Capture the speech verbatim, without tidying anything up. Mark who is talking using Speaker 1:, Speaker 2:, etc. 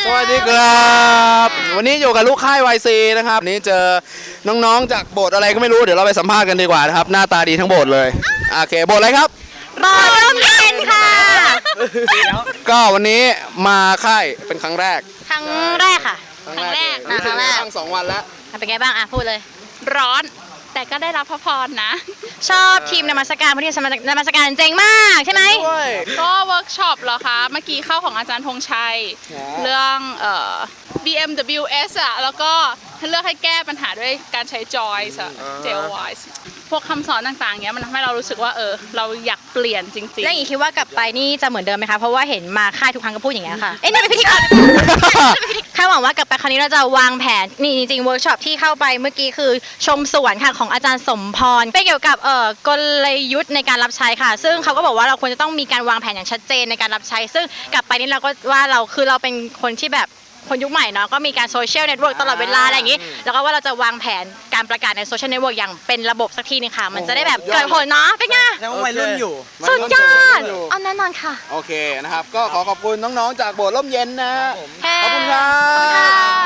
Speaker 1: สวัสดีครับวันนี้อยู่กับลูกค่าย วาย ซี นะครับวันนี้เจอน้องๆจากโบสถ์อะไรก็ไม่รู้เดี๋ยวเราไปสัมภาษณ์กันดีกว่านะครับหน้าตาดีทั้งโบสถ์เลยโอเคโบสถ์อะไรครับ
Speaker 2: โบสถ์ร่มเย็นค่ะ
Speaker 1: ก็วันนี้มาค่ายเป็นครั้งแรก
Speaker 2: ครั้งแรกค่ะ
Speaker 1: ครั้งแรก
Speaker 2: อ่ะครั้งแรก
Speaker 1: ตั้งสองวันแล้ว
Speaker 2: เป็นไงบ้างอ่ะพูดเลย
Speaker 3: ร้อนแต่ก็ได้รับพระพรนะ
Speaker 2: ชอบทีมนมัสการเพราะทีมนมัสการเจ๋งมากใช่ไหม
Speaker 1: ด้วย
Speaker 3: ก็เวิร์กช็อปเหรอคะ เมื่อกี้เข้าของอาจารย์ธงชัย
Speaker 1: อ๋อ
Speaker 3: เรื่องเอ่อ บี เอ็ม ดับเบิลยู เอส อ่ะ แล้วก็เลือกให้แก้ปัญหาด้วยการใช้ Joyce อะ เจ โอ วาย พวกคำสอนต่างๆเนี้ยมันทำให้เรารู้สึกว่าเออเราอยากเปลี่ยนจริง
Speaker 2: แล้วอย่างนี้คิดว่ากลับไปนี่จะเหมือนเดิมไหมคะเพราะว่าเห็นมาค่ายทุกครั้งก็พูดอย่างเงี้ยค่ะเอ้ยนี่เป็นพิธีกรคาดหวังว่ากลับไปครั้งนี้เราจะวางแผนนี่จริงๆเวิร์กช็อปที่เข้าไปเมื่อกี้คือชมสวนค่ะของอาจารย์สมพรเป็นเกี่ยวกับเอ่อกลยุทธ์ในการรับใช้ค่ะ ซึ่งเขาก็บอกว่าเราควรจะต้องมีการวางแผนอย่างชัดเจนในการรับใช้ ซึ่งกลับไปนี่เราก็ว่าเราคือเราเป็นคนที่แบบคนยุคใหม่เนาะก็มีการโซเชียลเน็ตเวิร์กตลอดเวลาอะไรอย่างนี้ แล้วก็ว่าเราจะวางแผนการประกาศในโซเชียลเน็ตเวิร์กอย่างเป็นระบบสักทีนึงค่ะ มันจะได้แบบเกิดผลเนาะเป็นไง
Speaker 4: แล้ววัยรุ่นอยู่
Speaker 2: สุดยอด
Speaker 1: อยู่
Speaker 2: เอาแน่นอนค่ะ
Speaker 1: โอเคนะครับก็ขอขอบคุณน้องๆจากโบสถ์ร่มเย็นนะ
Speaker 2: แค่
Speaker 1: ขอบคุณครั
Speaker 2: ขอบคุณค่ะ
Speaker 1: บ